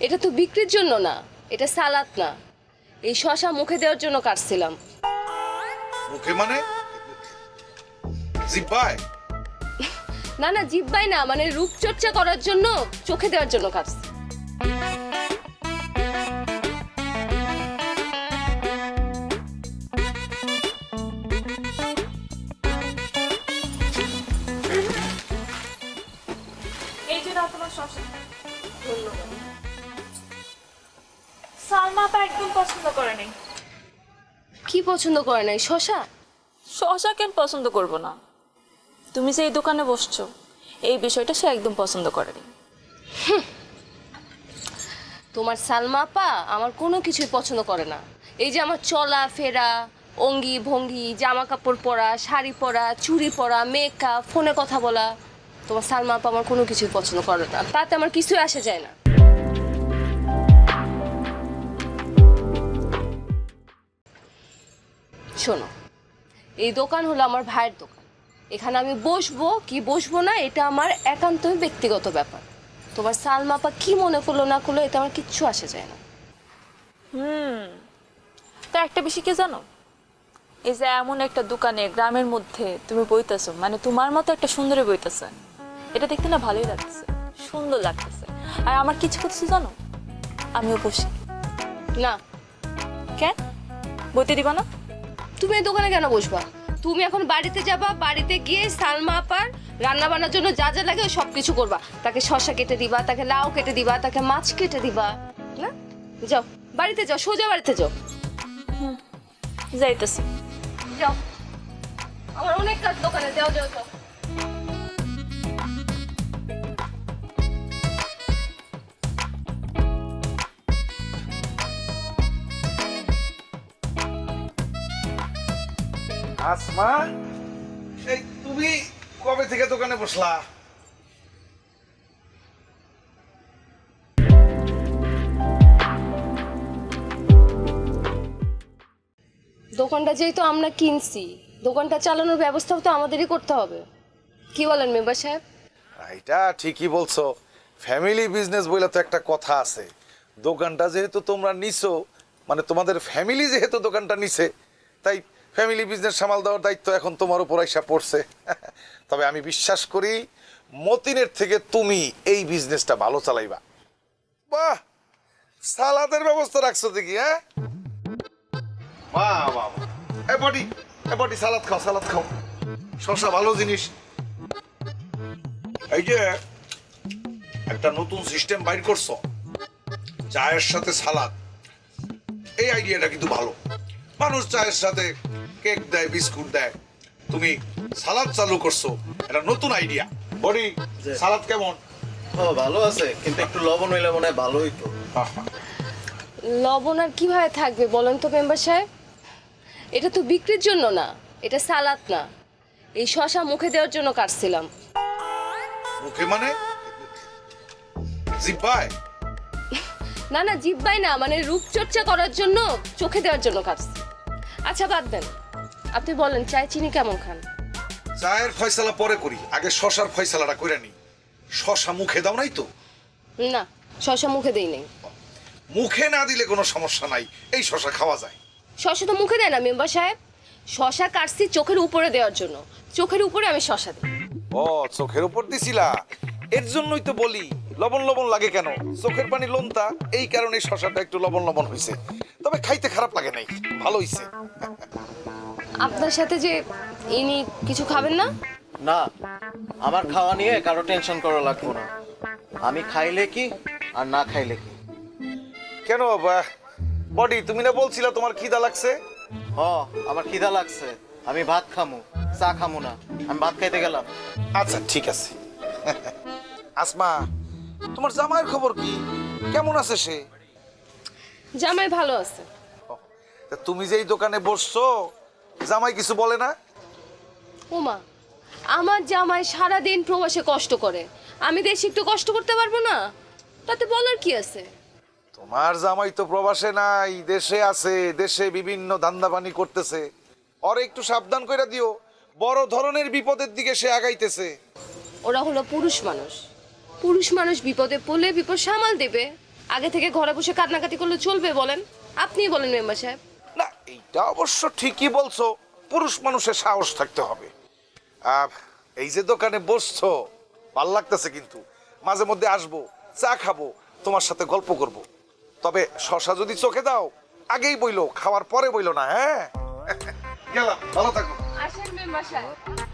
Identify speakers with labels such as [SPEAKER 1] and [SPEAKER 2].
[SPEAKER 1] এটা তো বিক্রির জন্য না, এটা সালাদ না, এই শশা মুখে দেওয়ার জন্য কাটছিলাম।
[SPEAKER 2] মুখে মানে জিহ্বায়?
[SPEAKER 1] না না, জিব্বাই না, মানে রূপচর্চা করার জন্য, চোখে দেওয়ার জন্য কাটছি।
[SPEAKER 3] এই যে দাও তোমার শশা। সালমা আপা একদম পছন্দ করে নাই।
[SPEAKER 1] কি পছন্দ করে নাই? শশা?
[SPEAKER 3] শশা কেন পছন্দ করবো না? তুমি যে এই দোকানে বসছো, এই বিষয়টা সে একদম পছন্দ করেনি।
[SPEAKER 1] তোমার সালমা আপা আমার কোনো কিছুই পছন্দ করে না। এই যে আমার চলা ফেরা, অঙ্গি ভঙ্গি, জামা কাপড় পরা, শাড়ি পরা, চুড়ি পরা, মেকআপ, ফোনে কথা বলা, তোমার সালমা আপা আমার কোনো কিছুই পছন্দ করে না। তাতে আমার কিছুই আসে যায় না। শোনো, এই দোকান হলো আমার ভাইয়ের দোকান। এখানে আমি বসবো কি বসবো না এটা আমার একান্তই ব্যক্তিগত ব্যাপার। তোমার সালমা আপা কি মনে করলো না করলো এটা আমার কিচ্ছু আসে যায় না।
[SPEAKER 3] তো একটা বিষয় কি জানো, এই যে এমন একটা দোকানে গ্রামের মধ্যে তুমি বইতেছো, মানে তোমার মতো একটা সুন্দরী বইতেছে, এটা দেখতে না ভালোই লাগতেছে, সুন্দর লাগতেছে। আর আমার কিছু কিছু জানো, আমিও বসি
[SPEAKER 1] না,
[SPEAKER 3] কেন বইতে দিবা না?
[SPEAKER 1] তুমি এই দোকানে কেন বসবা? তুমি এখন বাড়িতে যাবা, বাড়িতে গিয়ে সালমা আপার রান্না বান্নার জন্য যা যা লাগে সব কিছু করবা। তাকে শসা কেটে দিবা, তাকে লাউ কেটে দিবা, তাকে মাছ কেটে দিবা। না, যাও বাড়িতে যাও, সোজা বাড়িতে যাও।
[SPEAKER 3] যাইতেছি।
[SPEAKER 1] যাও, আমার অনেক কাজ দোকানে। যাও যাও যাও।
[SPEAKER 2] আসমা, এই তুমি কবে থেকে দোকানে বসলা?
[SPEAKER 1] দোকানটা যেহেতু আমরা কিনছি, দোকানটা চালানোর ব্যবস্থাও তো আমাদেরই করতে হবে। কি বলেন মেম্বার সাহেব?
[SPEAKER 2] এটা ঠিকই বলছো, ফ্যামিলি বিজনেস বলে তো একটা কথা আছে। দোকানটা যেহেতু তোমরা নিছো, মানে তোমাদের ফ্যামিলি যেহেতু দোকানটা নিছে, তাই ফ্যামিলি বিজনেস সামাল দেওয়ার দায়িত্ব এখন তোমার উপর আইসা পড়ছে। তবে আমি বিশ্বাস করি মতিনের থেকে তুমি এই বিজনেসটা ভালো চালাইবা। বাহ, সালাদের ব্যবস্থা রাখছো দেখি। হ্যাঁ, বাহ বাহ, এ বডি, এ বডি, সালাদ খাও, সালাদ খাও, শসা ভালো জিনিস। এই যে একটা নতুন সিস্টেম বাইর করছো, চায়ের সাথে সালাদ, এই আইডিয়াটা কিন্তু ভালো। মানুষ চায়ের সাথে কেক দেয়, বিস্কুট দেয়, তুমি সালাদ চালু করছো, এটা নতুন আইডিয়া। বডি, সালাদ কেমন?
[SPEAKER 4] ও ভালো আছে, কিন্তু একটু লবণ হইলে মনে হয় ভালো হইতো।
[SPEAKER 1] লবণ আর কিভাবে থাকবে বলেন তো মেম্বার সাহেব? এটা তো বিক্রির জন্য না, এটা সালাদ না, এই শশা মুখে দেওয়ার জন্য কাটছিলাম।
[SPEAKER 2] মুখে মানে জিহ্বায়?
[SPEAKER 1] না না, জিব্বাই না, মানে রূপচর্চা করার জন্য, চোখে দেওয়ার জন্য কাটছি। আচ্ছা বাদ দেন, আপনি বলেন চায় চিনি কেমন খান?
[SPEAKER 2] চায়ের ফয়সালা পরে করি, আগে শশার ফয়সালাটা করে নি। শশা মুখে দাও নাই তো?
[SPEAKER 1] না, শশা মুখে দেই নেই।
[SPEAKER 2] মুখে না দিলে কোনো সমস্যা নাই, এই শশা খাওয়া যায়।
[SPEAKER 1] শশা তো মুখে দেয় না মেম্বার সাহেব, শশা কাটছি চোখের উপরে দেওয়ার জন্য, চোখের উপরে আমি শশা দিই।
[SPEAKER 2] ও, চোখের উপর দিছিলা, এর জন্যই তো বলি লবণ লবণ লাগে কেন। চোখের পানি লোনতা, এই কারণে শশাটা একটু লবণ লবণ হয়েছে। তবে খাইতে খারাপ লাগে নাই, ভালো হইছে।
[SPEAKER 1] আপনার সাথে যে ইনি কিছু খাবেন না?
[SPEAKER 4] না, আমার খাওয়া নিয়ে কারো টেনশন করা লাগবে না। আমি খাইলে কি আর না খাইলে কি।
[SPEAKER 2] কেন বডি, তুমি না বলছিলা তোমার খিদা লাগছে?
[SPEAKER 4] হ, আমার খিদা লাগছে, আমি ভাত খামু, চা খামু না, আমি ভাত খাইতে গেলাম।
[SPEAKER 2] আচ্ছা ঠিক আছে। আসমা, তোমার জামাইয়ের খবর কি? কেমন আছে সে?
[SPEAKER 1] জামাই ভালো আছে।
[SPEAKER 2] তা তুমি যে এই দোকানে বসছো, জামাই কিছু বলে না?
[SPEAKER 1] ওমা, আমার জামাই সারাদিন প্রবাসে কষ্ট করে, আমি দেশে একটু কষ্ট করতে পারবো না? তাতে বলার কি আছে?
[SPEAKER 2] তোমার জামাই তো প্রবাসে নাই, দেশে আছে, দেশে বিভিন্ন ধান্দাবানি করতেছে। ওর একটু সাবধান করে দিও, বড় ধরনের বিপদের দিকে সে আগাইতেছে।
[SPEAKER 1] ওরা হলো পুরুষ মানুষ, পুরুষ মানুষ বিপদে পড়লে বিপদ সামাল দেবে, আগে থেকে ঘরে বসে কান্নাকাটি করলে চলবে বলেন? আপনিই বলেন মেম্বার সাহেব।
[SPEAKER 2] না, এইটা অবশ্য ঠিকই বলছো, পুরুষ মানুষের সাহস থাকতে হবে। এই যে দোকানে বসছো, ভাল লাগতেছে, কিন্তু মাঝে মধ্যে আসবো, চা খাবো, তোমার সাথে গল্প করব। তবে শশা যদি চোখে দাও আগেই বইলো, খাওয়ার পরে বইলো না। হ্যাঁ, গেলাম, ভালো থাকো।
[SPEAKER 1] আসেন মেম্বার সাহেব।